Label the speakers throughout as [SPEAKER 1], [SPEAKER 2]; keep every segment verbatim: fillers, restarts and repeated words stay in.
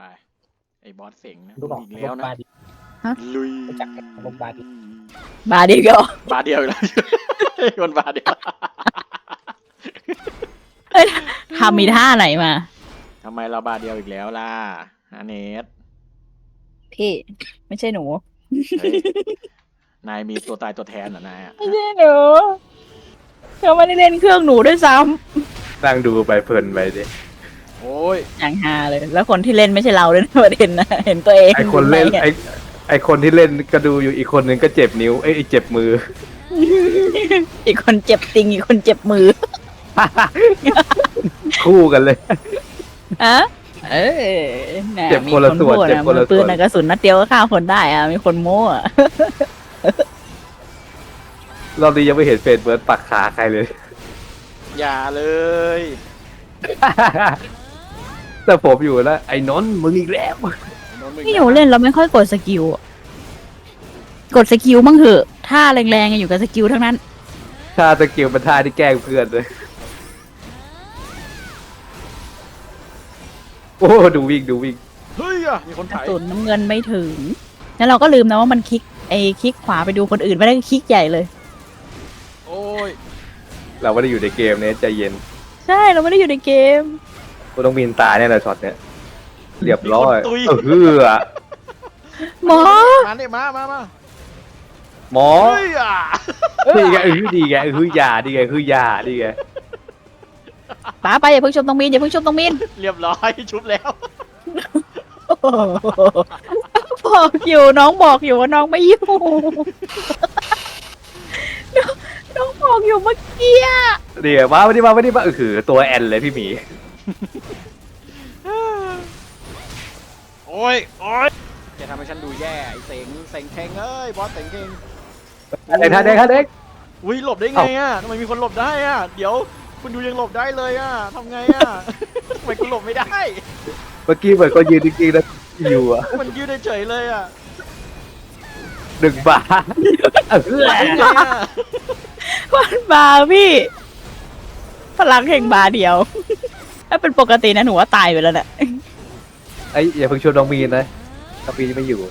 [SPEAKER 1] ไปไอ้บอสเสียงนะ
[SPEAKER 2] รู้บอก
[SPEAKER 1] อีกแล้วนะ
[SPEAKER 2] บาดี
[SPEAKER 1] ลุย
[SPEAKER 2] รู้จักลมบาดี
[SPEAKER 3] บาดีก็
[SPEAKER 1] บาเดียวอีกแล้วคนบาเดียว
[SPEAKER 3] ทำมีท่าไหนมา
[SPEAKER 1] ทำไมเราบาเดียวอีกแล้วล่ะอาเนส
[SPEAKER 3] พี่ ไม่ใช่หนู
[SPEAKER 1] เฮ้ยนายมีตัวตายตัวแทนเหรอนายอะ
[SPEAKER 3] ไม่ใช่หนูเขาไม่ได้เล่นเครื่องหนูด้วยซ้
[SPEAKER 4] นั่งดูไปเพลินไปดิ
[SPEAKER 1] โอ้ย
[SPEAKER 3] ำอย่างฮาเลย แล้วคนที่เล่นไม่ใช่เราด้วยนะประเด็นนะเห็นตัวเอง
[SPEAKER 4] ไอคนเล่น
[SPEAKER 3] ยู่
[SPEAKER 4] ไอไอคนที่เล่นก็ดูอยู่อีกคนนึงก็เจ็บนิ้วเอ้ยเจ็บมือ
[SPEAKER 3] อีกคนเจ็บติงอีกคนเจ็บมือ
[SPEAKER 4] คู่กันเลย
[SPEAKER 3] อะเออน่ะ
[SPEAKER 4] เจ็บคนละส่วน
[SPEAKER 3] มี
[SPEAKER 4] เจ็บคนละ
[SPEAKER 3] พูดปื
[SPEAKER 4] ส่
[SPEAKER 3] น
[SPEAKER 4] วน
[SPEAKER 3] นะกระสุนนัดเดียวก็ฆ่าคนได้อะมีคนโม้อะ
[SPEAKER 4] รอบนี้ยังไม่เห็นเฟซเบิร์ดปักขาใครเลย
[SPEAKER 1] อย่าเลย
[SPEAKER 4] แต่ผมอยู่แล้วไอ้นนท์มึงอีกแล้ว
[SPEAKER 3] พี่หนูเล่นเราไม่ค่อยกดสกิลอะกดสกิลบ้างเถอะท่าแรงๆอยู่กับสกิลทั้งนั้น
[SPEAKER 4] ถ้าสกิลเป็นท่าที่แกล้งเพื่อนเลยโอ้ดูวิ่งดูวิ่ง
[SPEAKER 1] เฮ้ยอะมีคน
[SPEAKER 3] กระ
[SPEAKER 1] ถ่าย
[SPEAKER 3] สุนน้ำเงินไม่ถึง แล้วเราก็ลืมนะว่ามันคลิกไอ้คลิกขวาไปดูคนอื่นไม่ได้คลิกใหญ่เลย
[SPEAKER 1] โอ้ย
[SPEAKER 4] เราไม่ได้อยู่ในเกมเนี่ยใจเย็น
[SPEAKER 3] ใช่เราไม่ได้อยู่ในเกม
[SPEAKER 4] กูต้องบินตายแน่เลยช็อตเนี้ยเรียบร้อย
[SPEAKER 1] มีคนตุย
[SPEAKER 4] เออเฮือ
[SPEAKER 3] หมอ
[SPEAKER 1] มาเนี่ยมามามา
[SPEAKER 4] หมอ
[SPEAKER 1] เฮ้ยอะ
[SPEAKER 4] ดีไงเออดีไงเอออยาดีไงคือยาดีไง
[SPEAKER 3] ป๋าไปอย่าเพิ่งชมตรงมีนอย่าเพิ่งชมตรงมีน
[SPEAKER 1] เรียบร้อยชุบแล้ว
[SPEAKER 3] บอกอยู่น้องบอกอยู่ว่าน้องไม่อยู่น้องน้องบอกอยู่เมื่อกี้อะ
[SPEAKER 4] เดี๋ยวมาไม่ได้มาไม่ได้มาเออคือตัวแอนเลยพี่หมี
[SPEAKER 1] โอ้ยโอ้ยจะทำให้ฉันดูแย่ไอ้เสงเสงเทงเอ้ยบอสเสงเทง
[SPEAKER 4] อะไรท่าเด็กท่าเด็ก
[SPEAKER 1] อุ้ยหลบได้ไงอ่ะทำไมมีคนหลบได้อ่ะเดี๋ยวคุณดูยังหลบได้เลยอ่ะทำไงอ่ะ ทำไมคุณหลบไม่ได้
[SPEAKER 4] เมื่อกี้เหมือนคนยืนจริงๆนะอยู่อ่ะ
[SPEAKER 1] มันยืดเฉยๆเลยอ่ะ
[SPEAKER 4] หนึ่งบาทเออ
[SPEAKER 1] ได้ไงอ่ะ
[SPEAKER 3] วันบาพี่ พลังแห่งบาเดียว ถ้าเป็นปกตินะหนูว่าตายไปแล้วเนี่ย
[SPEAKER 4] ไอ้อย่าเพิ่งชวนน้องมีนนะน้องมีนไม่อยู่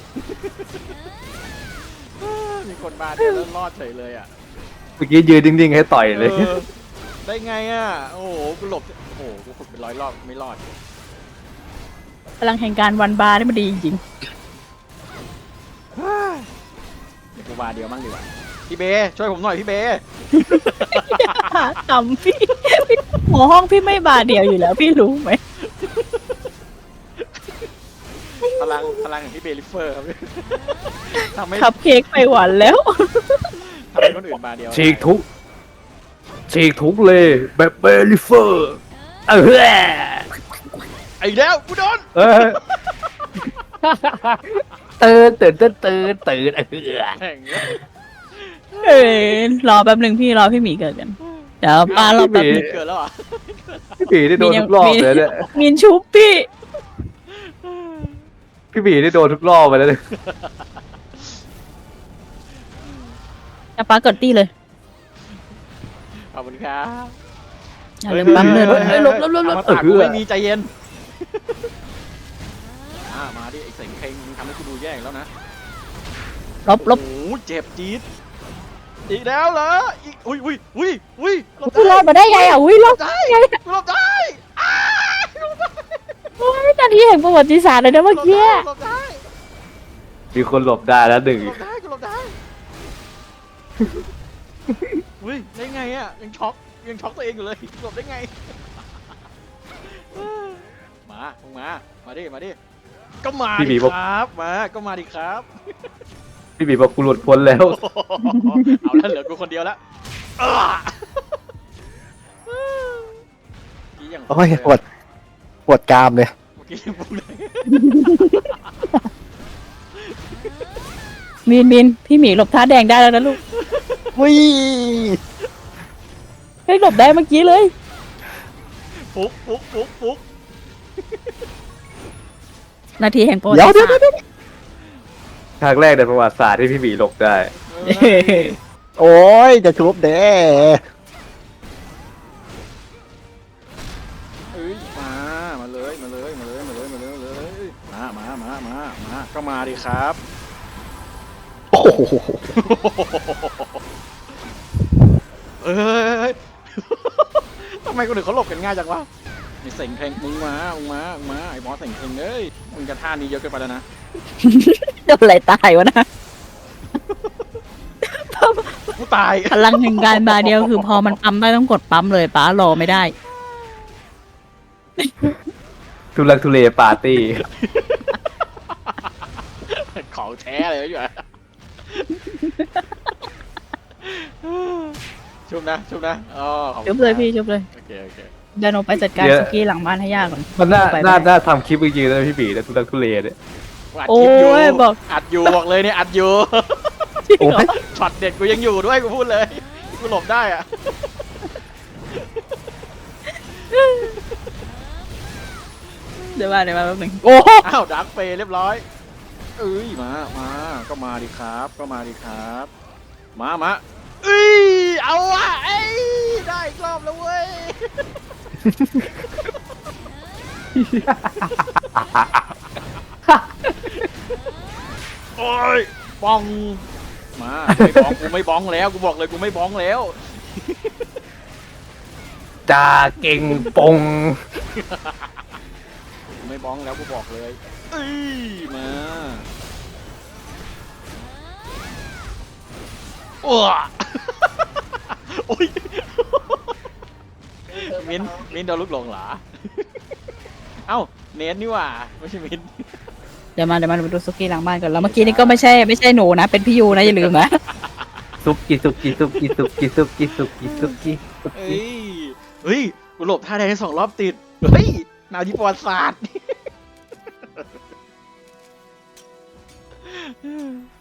[SPEAKER 1] มีคนมาเดี๋ยวแล้วรอดเฉยเลยอ่ะ
[SPEAKER 4] เมื่อกี้ยืนนิ่งๆให้ต่อยเลย
[SPEAKER 1] ออได้ไงอ่ะโอ้โหกูหลบโอ้โหกูขุดเป็นร้อยรอบไม่รอด
[SPEAKER 3] พลังแห่งการวันบานี่มันดีจริง
[SPEAKER 1] เดี๋ยวกูบาเดียวมั่งดีกว่าพี่เบช่วยผมหน่อยพี่เบ
[SPEAKER 3] ๆขำพี่พี่หัวห้องพี่ไม่บาเดียวอยู่แล้วพี่รู้ไหม
[SPEAKER 1] พลังพลังของพี่เบลิเฟอร์ครับ ทำให้
[SPEAKER 3] ขับเค้กไปหวานแล้ว
[SPEAKER 1] ทำให้คนอื่นบาเดียว
[SPEAKER 4] ฉีกทุกฉีกทุกเลยแบบเบลิเฟอร์เออ
[SPEAKER 1] ไอ้แล้วกูโดน
[SPEAKER 4] เออตื่นตื่นตื่นตื่นตื่นเออ
[SPEAKER 1] แข่งเนี่ย
[SPEAKER 3] เออรอแป๊บหนึ่งพี่รอพี่หมีเกิดกัน เดี๋ยวป้ารอแป๊บหนึง
[SPEAKER 1] เกิดแล้วเหรอ่ะ
[SPEAKER 4] พี่บีได้โดนทุกรอบเลยเนี่ย
[SPEAKER 3] มีนชุบพี่
[SPEAKER 4] พี่บีได้โดนทุกรอบไปแล้วเนี่ย
[SPEAKER 3] จะป้าเกิดตี้เลย
[SPEAKER 1] ขอบคุณครับ
[SPEAKER 3] อย่าลืมปั๊มเลยเฮ้ยลบลบลบล
[SPEAKER 1] เอา
[SPEAKER 3] บ
[SPEAKER 1] มาตากกูไม่มีใจเย็นอ่ามาดิไอ้เสงเพลงมึงทำให้กูดูแย่อีกแล้วนะ
[SPEAKER 3] ลบลบ
[SPEAKER 1] โอ้โหเจ็บจี๊ดอีกแล้วเหรออีกอุ้ยอุ้ยอุ้ยอุ้ยหลบ
[SPEAKER 3] พี่รอดมาได้ไงอ่ะอุ้ยรอด
[SPEAKER 1] ได้หลบได้อ้าหลบได้
[SPEAKER 3] โอ้ยนาทีแห่งประวัติศาสตร์เลยนะเมื่อกี้
[SPEAKER 1] หลบได้
[SPEAKER 4] มีคนหลบได้แล้วหนึ่ง
[SPEAKER 1] หลบได้หลบได้อุ้ยได้ไงอ่ะยังช็อกยังช็อกตัวเองอยู่เลยหลบได้ไงมาลงมามาดิมาดิก็มาดิครับมาก็มาดิครับ
[SPEAKER 4] พี่บีบอกกูหลุดพ้นแล้ว
[SPEAKER 1] เอาแล้วเหลือกูคนเดียวแล้วกี้ยัง
[SPEAKER 2] โอ้ยปวดปวดกรามเลย
[SPEAKER 1] เมื่อกี้ยังพูดเลย
[SPEAKER 3] มีนมีนพี่หมีหลบท่าแดงได้แล้วนะลูก
[SPEAKER 2] วิ่ง
[SPEAKER 3] เฮ้ยหลบได้เมื่อกี้เลย
[SPEAKER 1] ฟุกฟุกฟุกฟุก
[SPEAKER 3] นาทีแห่งประวัติ
[SPEAKER 2] เดี๋ยว
[SPEAKER 3] ศาสต
[SPEAKER 2] เดี๋ยว
[SPEAKER 3] ร์
[SPEAKER 2] เดี๋ยว
[SPEAKER 4] ครั้งแรกในประวัติศาสตร์ที่พี่บีหลบได้
[SPEAKER 2] โอ้ยจะชุบเด้
[SPEAKER 1] เอ้ยมามาเลยมาเลยมาเลยมาเลยมาเลยมาเลยมามามามามาก็มาดิครับ
[SPEAKER 2] โอ้โห
[SPEAKER 1] เอ้ย ทำไมคนอื่นเขาหลบกันง่ายจังวะไอ้เสงเพลงมึงมามึงมามึงมาไอ้บอสเสงเพลงเอ้ยมึงจะท่านี้เยอะเกินไปแล้วนะ
[SPEAKER 3] โดนอะไรตายวะนะ
[SPEAKER 1] กูตาย
[SPEAKER 3] พลังแห่งการบาเดียวคือพอมันปั๊มได้ต้องกดปั๊มเลยป้ารอไม่ได้
[SPEAKER 4] ทุลักทุเลปาร์ตี้
[SPEAKER 1] ของแท้เลยอยู่อะชุบนะชุบนะอ๋อขอบคุณ
[SPEAKER 3] ชุบเลยพี่ชุบเลย
[SPEAKER 1] โอเคโอเค
[SPEAKER 3] เดินออกไปจัดการสุกี้หลังบ้านให้ยากก่อน
[SPEAKER 4] มันน่า
[SPEAKER 3] ไปไป
[SPEAKER 4] น่าน่าทำคลิปจริงๆนะพี่ปีนะทุลักทุเลเนี่ย
[SPEAKER 1] กูอัด
[SPEAKER 3] โอ้
[SPEAKER 1] คลิปอยู่
[SPEAKER 3] ยบอก
[SPEAKER 1] อัดอยู่บอกเลยเนี่ยอัดอยู่
[SPEAKER 3] จริงเหรอ
[SPEAKER 1] ช็อตเด็ดกูยังอยู่ด้วยกูพูดเลยกูหลบได้อะ
[SPEAKER 3] เดี๋ยวมาเดี๋ยวมาแป๊บหนึงโอ้
[SPEAKER 1] อ้าวดักเฟย์เรียบร้อยเอ้ยมามาก็มาดิครับก็มาดิครับ มามาเอ้ยเอาอะเอ้ยได้อีกรอบแล้วเว้ย โอ้ยบ้องมาไม่บ้องกูไม่บ้องแล้วกูบอกเลยกูไม่บ้องแล้ว
[SPEAKER 4] จ่าเก่งปง
[SPEAKER 1] กูไม่บ้องแล้วกูบอกเลยเอ้ยมาโอ้โอ้ยมินมินโดนลูกหลงเหรอเอ้าเน้นนี่หว่าไม่ใช่มิน
[SPEAKER 3] เดี๋ยวมาเดี๋ยวมาดูสุกี้หลังบ้านก่อนแล้วเมื่อกี้นี่ก็ไม่ใช่ไม่ใช่หนูนะเป็นพี่ยูนะอย่าลืมนะ
[SPEAKER 4] ซุกกิซุกกิซุกกิซุกกิซุกกิซุกกิซุกกิซุก
[SPEAKER 1] เฮ้
[SPEAKER 4] กิ
[SPEAKER 1] ยเฮ้ยกูหลบท่าแดงได้สองรอบติดเฮ้ยหนาวที่ประวัติศาสตร์